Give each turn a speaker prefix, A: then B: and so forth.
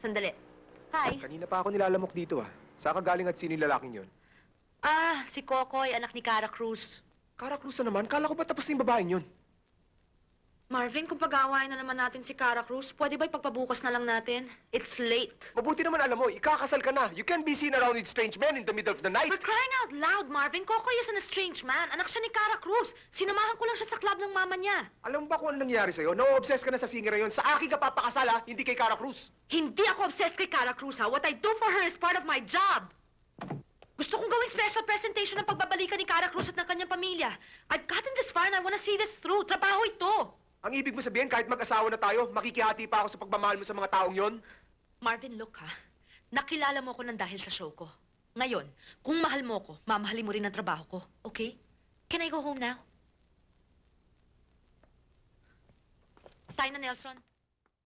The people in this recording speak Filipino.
A: Sandali. Hi.
B: Kanina pa ako nilalamok dito Saan ka galing at sino yung lalaking yun?
A: Si Kokoy, anak ni Cara Cruz.
B: Cara Cruz na naman? Kala ko ba tapos na yung babaeng yun?
A: Marvin, kung pag-aawayan na naman natin si Cara Cruz, pwede ba ipagpabukas na lang natin? It's late.
B: Mabuti naman alam mo, ikakasal ka na. You can't be seen around with strange men in the middle of the night.
A: For crying out loud, Marvin, Kokoy isn't a strange man. Anak siya ni Cara Cruz. Sinamahan ko lang siya sa club ng mama niya.
B: Alam mo ba kung ano nangyari sa'yo? Na-obsess ka na sa singer na yun. Sa akin ka papakasal hindi kay Cara Cruz.
A: Hindi ako obsessed kay Cara Cruz, ha? What I do for her is part of my job. Gusto kong gawing special presentation ng pagbabalikan ni Cara Cruz at ng kanyang pamilya. I've gotten this far and I wanna see this through. Trabaho ito.
B: Ang ibig mo sabihin, kahit mag-asawa na tayo, makikihati pa ako sa pagmamahal mo sa mga taong yon?
A: Marvin, look ha. Nakilala mo ko nang dahil sa show ko. Ngayon, kung mahal mo ko, mamahalin mo rin ang trabaho ko. Okay? Can I go home now? Tayo na, Nelson.